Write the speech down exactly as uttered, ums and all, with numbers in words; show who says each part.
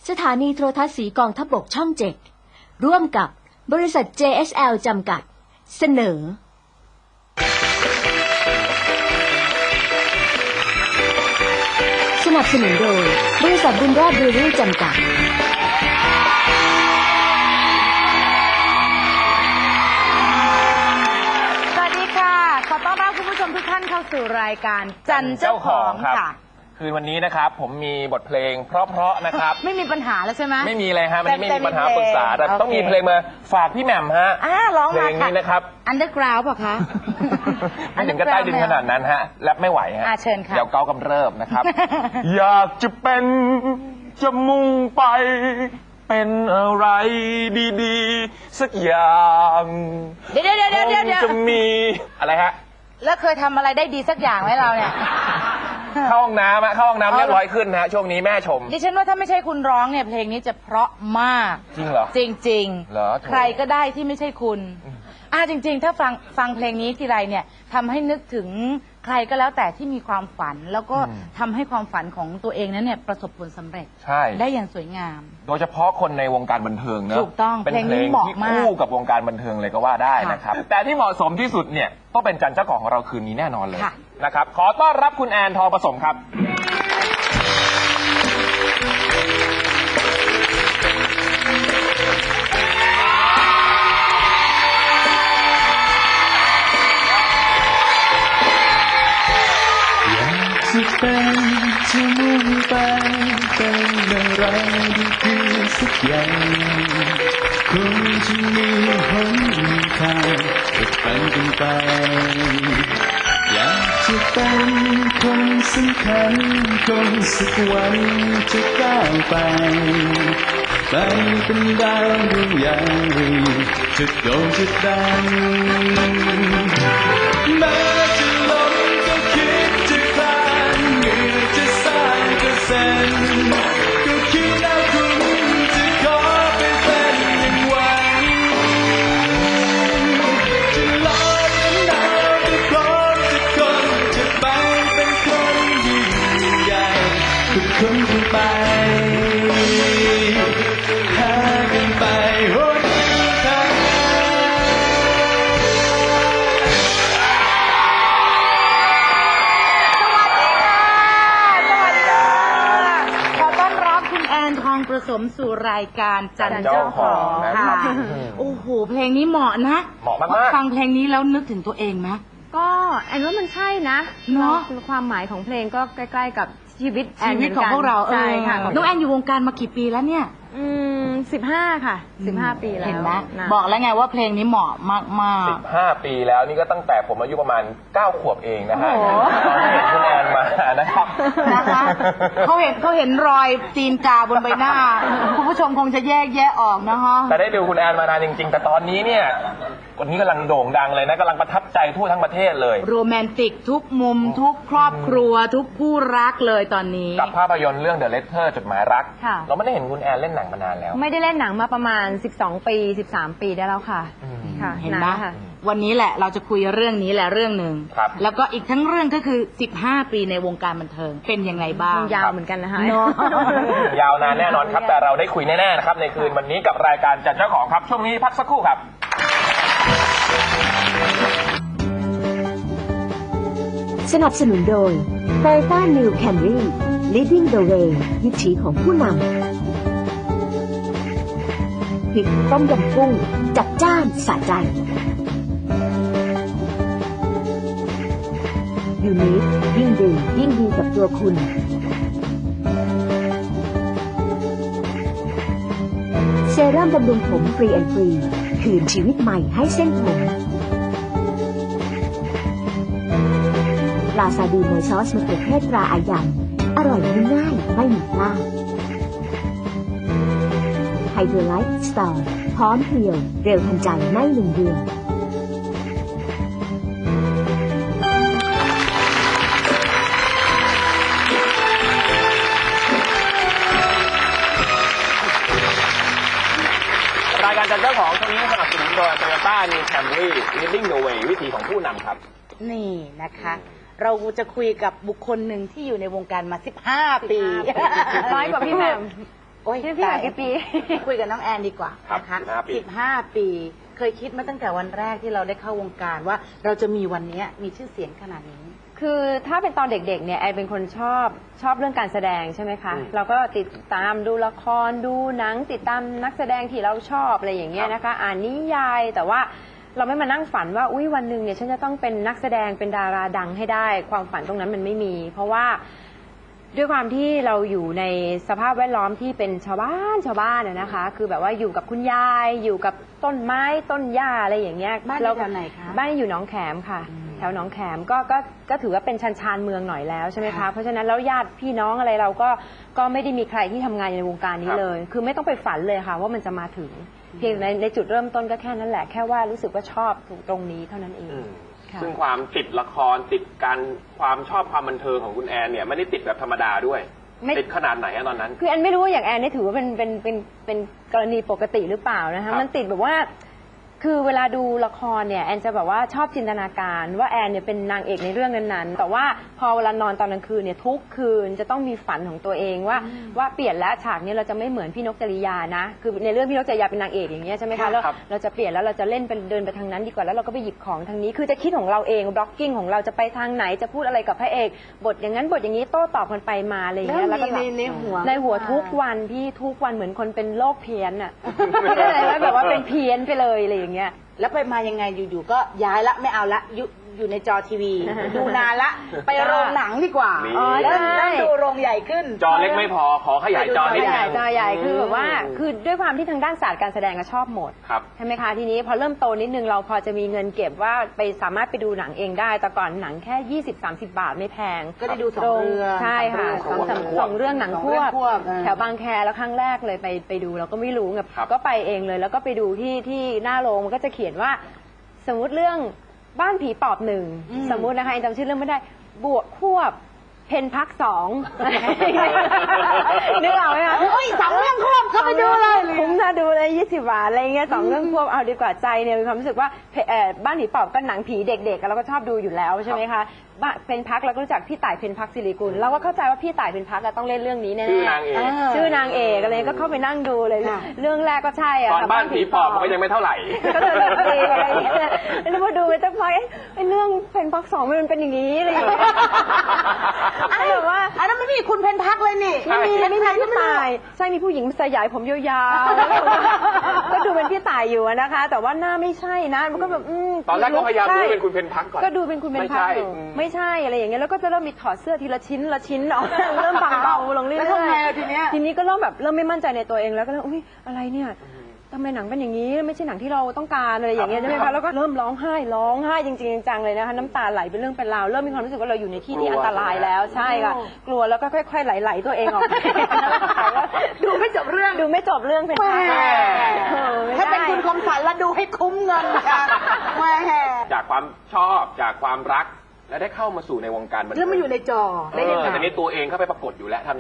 Speaker 1: สถานีโทรทัศน์สีกองทัพบกช่องเจ็ดร่วมกับบริษัท เจ เอส แอล จำกัดเสนอสนับสนุนโดยบริษัทบุญรอดเบเวอรี่จำกัด
Speaker 2: สวัสดีค่ะขอต้อนรับคุณผู้ชมทุกท่านเข้าสู่รายการจันเจ้าของค่ะ
Speaker 3: คืนวันนี้นะครับผมมีบทเพลงเพราะๆนะครับ
Speaker 2: ไม่มีปัญหาแล้วใช่ไหม
Speaker 3: ไม่มีเลยฮะมันไม่มีปัญหาปรึกษาแต่ต้องมีเพลงมาฝากพี่แหม่มฮะ
Speaker 2: อ่าร้องมาค่ะ
Speaker 3: เพลงนี้นะครับ
Speaker 2: Underground ป่ะคะ
Speaker 3: ไม่ถึงกับใต้ดินขนาดนั้นฮะแรปไม่ไหวฮะ
Speaker 2: เชิญค่ะ
Speaker 3: เดี๋ยวเกากำเริบนะครับ อยากจะเป็นจะมุ่งไปเป็นอะไรดีๆสักอย่าง
Speaker 2: เดี๋ยวเดี๋ยวเดี๋ยวเดี๋ยว
Speaker 3: จะมีอะไรฮะ
Speaker 2: แล้วเคยทำอะไรได้ดีสักอย่างไหมเราเนี่ย
Speaker 3: เข้าห้องน้ำเข้าห้องน้ำเรียบร้อยขึ้นฮะช่วงนี้แม่ชม
Speaker 2: ดิฉันว่าถ้าไม่ใช่คุณร้องเนี่ยเพลงนี้จะเพราะมาก
Speaker 3: จริงเหรอ
Speaker 2: จริง
Speaker 3: ๆเหรอ
Speaker 2: ใครก็ได้ที่ไม่ใช่คุณอ่าจริงๆถ้าฟังฟังเพลงนี้ทีไรเนี่ยทำให้นึกถึงใครก็แล้วแต่ที่มีความฝันแล้วก็ทำให้ความฝันของตัวเองนั้นเนี่ยประสบผลสำเร็จ
Speaker 3: ใช่
Speaker 2: ได้อย่างสวยงาม
Speaker 3: โดยเฉพาะคนในวงการบันเทิงเนอะ
Speaker 2: ถูกต้อง
Speaker 3: เป็นเพลงที่คู่กับวงการบันเทิงเลยก็ว่าได้นะครับแต่ที่เหมาะสมที่สุดเนี่ยต้องเป็นจันเจ้าของของเราคืนนี้แน่นอนเลยนะครับขอต้อนรับคุณแอนทองผสมครับ
Speaker 4: จะเป็นจะมุ่งไปเป็นอะไรดีๆสักอย่างคงจะมีหนทางจะเป็นกันไปอยากจะเป็นคนสำคัญคนสักวันจะก้าวไปไปเป็นดาวดวงใหญ่จะโด่งจะดังแม้จะล้มก็คิดจะคลานเหงื่อจะสร้างก็เส้นก็คิดแล้วคุณจะขอไปเป็นอย่างหวังจะลอยเป็นดาวจะพร้อมจะคนจะไปเป็นคนยิ่งใหญ่ทุกคนจะไปหากันไปหนทาง
Speaker 2: ทองผสมสู่รายการจันเจ้าของค่ะโอ้โหเพลงนี้เหมาะนะ
Speaker 3: เหมาะมาก
Speaker 2: ๆฟังเพลงนี้แล้วนึกถึงตัวเองไหม
Speaker 5: ก็แอนว่ามันใช่นะ
Speaker 2: เนาะ
Speaker 5: ความหมายของเพลงก็ใกล้ๆกับชีวิตแอน
Speaker 2: ชีวิตของพวกเรา
Speaker 5: ใช่ค่ะ
Speaker 2: น้องแอนอยู่วงการมากี่ปีแล้วเนี่ย
Speaker 5: อืมสิบห้าค่ะสิบห้าปีแล้ว
Speaker 2: เห็นไหมบอกแล้วไงว่าเพลงนี้เหมาะมากๆ
Speaker 3: สิบห้าปีแล้วนี่ก็ตั้งแต่ผมอายุประมาณเก้าขวบเองนะฮะตอนที่เห็นคุณแอนมานะครับ
Speaker 2: นะคะเขาเห็นเขาเห็นรอยตีนกาบนใบหน้าคุณผู้ชมคงจะแยกแยะออกนะคะ
Speaker 3: แต่ได้ดูคุณแอนมานานจริงๆแต่ตอนนี้เนี่ยวันนี้กำลังโด่งดังเลยนะกำลังประทับใจทั่วทั้งประเทศเลย
Speaker 2: โรแมนติกทุกมุมทุกครอบครัวทุกคู่รักเลยตอนนี้
Speaker 3: กับภาพยนตร์เรื่อง The Letter จดหมายรักเราไม่ได้เห็นคุณแอนเล่นหนังมานานแล้ว
Speaker 5: ไม่ได้เล่นหนังมาประมาณสิบสองปีสิบสามปีได้แล้วค่ะ
Speaker 2: ค่ะเห็นไหมวันนี้แหละเราจะคุยเรื่องนี้แหละเรื่องหนึ่งแล้วก็อีกทั้งเรื่องก็คือสิบห้าปีในวงการบันเทิงเป็นยังไงบ้าง
Speaker 5: ยาวเหมือนกันนะคะ
Speaker 3: ยาวนานแน่นอนครับแต่เราได้คุยแน่ๆนะครับในคืนวันนี้กับรายการจันเจ้าของครับช่วงนี้พักสักครู่ครับ
Speaker 1: สนับสนุนโดย Toyota New Camry Leading the Way วิถีของผู้นำพริกต้มยำกุ้งจัดจ้านสะใจยูนิคยิ่งดื่มยิ่งดีกับตัวคุณเซรั่มบำรุงผมฟรีแอนด์ฟรีคืนชีวิตใหม่ให้เส้นผมปลาซาดีนในซอสมะเขือเทศตราอายันอร่อยง่ายๆไม่มีพลาดไฮโดรไลท์สตอร์พร้อมเพรียวเร็วทันใจในหนึ่งเดือน
Speaker 3: รายการจันเจ้าของช่วงนี้สนับสนุนโดย Toyota New Camry Leading the Way วิถีของผู้นำครับ
Speaker 2: นี่นะคะเราจะคุยกับบุคคลหนึ่งที่อยู่ในวงการมาสิบห้าปี
Speaker 5: น้อยกว่าพี่แหม่ม
Speaker 2: โอ้ย
Speaker 5: พี่พี่หากี่ปี
Speaker 2: คุยกับน้องแอนดีกว่า
Speaker 3: ครับ
Speaker 2: นะคะ
Speaker 3: สิบห้าปี
Speaker 2: สิบห้าปี เคยคิดมาตั้งแต่วันแรกที่เราได้เข้าวงการว่าเราจะมีวันนี้มีชื่อเสียงขนาดนี้
Speaker 5: คือถ้าเป็นตอนเด็กๆเนี่ยแอนเป็นคนชอบชอบเรื่องการแสดงใช่ไหมคะ
Speaker 3: อืม
Speaker 5: เราก็ติดตามดูละครดูหนังติดตามนักแสดงที่เราชอบอะไรอย่างเงี้ยนะคะ อ่านนิยายแต่ว่าเราไม่มานั่งฝันว่าอุ้ยวันหนึ่งเนี่ยฉันจะต้องเป็นนักแสดงเป็นดาราดังให้ได้ ความฝันตรงนั้นมันไม่มี เพราะว่าด้วยความที่เราอยู่ในสภาพแวดล้อมที่เป็นชาวบ้านชาวบ้านอะนะคะ คือแบบว่าอยู่กับคุณยายอยู่กับต้นไม้ต้นหญ้าอะไรอย่างเงี้ย
Speaker 2: บ้านอยู่แถวไหนคะ
Speaker 5: บ้านอยู่หนองแขมค่ะ แถวหนองแขมก็ก็ก็ถือว่าเป็นชันชานเมืองหน่อยแล้วใช่ไหมคะ
Speaker 2: ค่ะ
Speaker 5: เพราะฉะนั้นแล้วญาติพี่น้องอะไรเราก็ก็ไม่ได้มีใครที่ทำงานอยู่ในวงการนี้เลย คือไม่ต้องไปฝันเลยค่ะ ว่ามันจะมาถึงเพียงในในจุดเริ่มต้นก็แค่นั้นแหละแค่ว่ารู้สึกว่าชอบตรงนี้เท่านั้นเอง
Speaker 3: อืม
Speaker 5: ค่ะ
Speaker 3: ซึ่งความติดละครติดการความชอบความบันเทิงของคุณแอนเนี่ยไม่ได้ติดแบบธรรมดาด้วย
Speaker 5: ไม่
Speaker 3: ติดขนาดไหนอะตอนนั้น
Speaker 5: คือแอนไม่รู้ว่าอย่างแอนนี่ถือว่าเป็นเป็นเป็นเป็นกรณีปกติหรือเปล่านะ
Speaker 3: ครั
Speaker 5: คะ
Speaker 3: บ
Speaker 5: มันติดแบบว่า คือเวลาดูละครเนี่ยแอนจะแบบว่าชอบจินตนาการว่าแอนเนี่ยเป็นนางเอกในเรื่องนั้นๆแต่ว่าพอเวลานอนตอนกลางคืนเนี่ยทุกคืนจะต้องมีฝันของตัวเองว่าว่าเปลี่ยนแล้วฉากนี้เราจะไม่เหมือนพี่นกจริยานะคือในเรื่องพี่นกจริยาเป็นนางเอกอย่างเงี้ยใช่ไหมคะแล้ว
Speaker 3: ครับ
Speaker 5: เราจะเปลี่ยนแล้วเราจะเล่นเป็นเดินไปทางนั้นดีกว่าแล้วเราก็ไปหยิบของทางนี้ คือจะคิดของเราเองบล็อกกิ้งของเราจะไปทางไหนจะพูดอะไรกับพระเอกบทอย่างนั้นบทอย่างนี้โต้ตอบกันไปมาอะไรอย่างเงี้ย
Speaker 2: แล้ว
Speaker 5: ก็
Speaker 2: มีในในหัว
Speaker 5: ในหัวทุกวันพี่ทุกวันเหมือนคนเป็นโรคเพี้ยนอ่ะ ไม่ได้อะไรแบบว่าเป็นเพี้ยนไปเลยอะไรอย่างเงี้ย
Speaker 2: แล้วไปมายังไงอยู่ๆก็ย้ายละไม่เอาละอยู่อยู่ในจอทีวี ดูนานละ ไปโรงหนังดีกว่า
Speaker 3: นี่
Speaker 5: อ๋อ
Speaker 2: แล้ว
Speaker 5: ใช่
Speaker 2: แล้วดูโรงใหญ่ขึ้น
Speaker 3: จอเล็กไม่พอขอขยายจอนิด
Speaker 5: จอให
Speaker 3: นึ
Speaker 5: ญ่
Speaker 3: ง
Speaker 5: จอใหญ่คือแบบว่าคือด้วยความที่ทางด้านศาสตร์การแสดงก็ชอบหมด
Speaker 3: ครับ
Speaker 5: ใช่ไหมคะทีนี้พอเริ่มโตนิดนึงเราพอจะมีเงินเก็บว่าไปสามารถไปดูหนังเองได้แต่ก่อนหนังแค่ ยี่สิบ สามสิบบาทไม่แพง
Speaker 2: ก็ได้ดูสองเรื่อง
Speaker 5: ใช่ค่ะส
Speaker 3: ส
Speaker 5: อ
Speaker 3: อง ง
Speaker 5: สาม
Speaker 3: ควบ
Speaker 5: สองเรื่องหนัง
Speaker 2: สอง
Speaker 5: ค
Speaker 2: เรื่
Speaker 5: ว
Speaker 2: อง
Speaker 5: บ
Speaker 2: ควบเออ
Speaker 5: แถวบางแคแล้วครั้งแรกเลยไปไปดูเราก็ไม่รู้แบบ
Speaker 3: ครับ
Speaker 5: ก็ไปเองเลยแล้วก็ไปดูที่ที่หน้าโรงมันก็จะเขียนว่า สมมุติเรื่องบ้านผีปอบหนึ่งสมมุตินะคะจำชื่อเรื่องไม่ได้บวกควบเพนพักสองนึกออกไหมคะ
Speaker 2: เฮ้ยสองเรื่องควบเข้าไปดูเลย
Speaker 5: คุ้มน่าดูเลยยี่สิบบาทอะไรเงี้ยสองเรื่องควบเอาดีกว่าใจเนี่ยมีความรู้สึกว่าเพเอ่อบ้านผีปอบก็หนังผีเด็กๆเราก็ชอบดูอยู่แล้วใช่ไหมคะบ้านเพนพักเราก็รู้จักพี่ต่ายเพนพักศิริกุลเราก็เข้าใจว่าพี่ต่ายเพนพักอะต้องเล่นเรื่องนี้แน่ๆ
Speaker 3: ชื่อนางเอก
Speaker 5: ชื่อนางเอกอะไรก็เข้าไปนั่งดูเลย
Speaker 2: ค่ะ
Speaker 5: เรื่องแรกก็ใช่อะ
Speaker 3: ตอนบ้านผีปอบมันก็ยังไม่เท่าไหร่
Speaker 5: ก็เลยแบบเองอะไรอย่างเงี้ยแล้วพอดูไปสักพักเอ๊ะไอ้เรื่องเพนพักสองมันเป็นอย่างนี้อะไรอย่างเงี้ยแบบว่า
Speaker 2: อันนั้นไม่มีคุณเพนพักเลยนี่
Speaker 5: ไม่มี
Speaker 2: เป็
Speaker 5: ไม่
Speaker 2: น
Speaker 5: มี
Speaker 2: ใคร
Speaker 5: พี่
Speaker 2: ไม่รู้
Speaker 5: ตายใช่มีผู้หญิงสยายผมยาวๆแล้วก็ดูเป็นพี่ตายอยู่อะนะคะ แต่ว่าหน้าไม่ใช่นะมันก็แบบอืม
Speaker 3: ตอนแรกก็พยายามดู
Speaker 5: ใช่
Speaker 3: เป็นคุณเพนพักก่อน
Speaker 5: ก็ดูเป็นคุณเป็นพักอยู่
Speaker 3: ไม่ใช่อืม
Speaker 5: ไม่ใช่อะไรอย่างเงี้ยแล้วก็จะเริ่มมีถอดเสื้อทีละชิ้นละชิ้นออก เริ่มบางเบาลงเรื่อยๆ
Speaker 2: แล้วทำไงอะทีเนี้ย
Speaker 5: ทีนี้ก็เริ่มแบบเริ่มไม่มั่นใจในตัวเองแล้วก็เริ่มอุ้ยอะไรเนี่ยทำไมหนังเป็นอย่างนี้ไม่ใช่หนังที่เราต้องการอะไรอย่างเงี้ยใช่ไหมคะแล้วก็เริ่มร้องไห้ร้องไห้จริงๆจังๆเลยนะคะน้ำตาไหลเป็นเรื่องเป็นราวเริ่มมีความรู้สึกว่าเราอยู่ในที่ที่อันตรายแล้วใช่ค่ะกลัวแล้วก็ค่อยๆไหลๆตัวเองออก
Speaker 2: ดูไม่จบเรื่อง
Speaker 5: ดูไม่จบเรื่องเป็น
Speaker 2: แหม
Speaker 5: เออไม่
Speaker 2: ถ้าเป็น
Speaker 5: ได้
Speaker 2: คุณคมสันแล้วดูให้คุ้มเงินค่ะแหม
Speaker 3: จากความชอบจากความรักและได้เข้ามาสู่ในวงการบันเทิง
Speaker 2: แล้วมาอยู่ในจอ
Speaker 3: เอ
Speaker 2: ได้ยัง
Speaker 3: อ
Speaker 2: ไง
Speaker 3: แต่นี้ตัวเองเข้าไปปรากฏอยู่แล้วทำ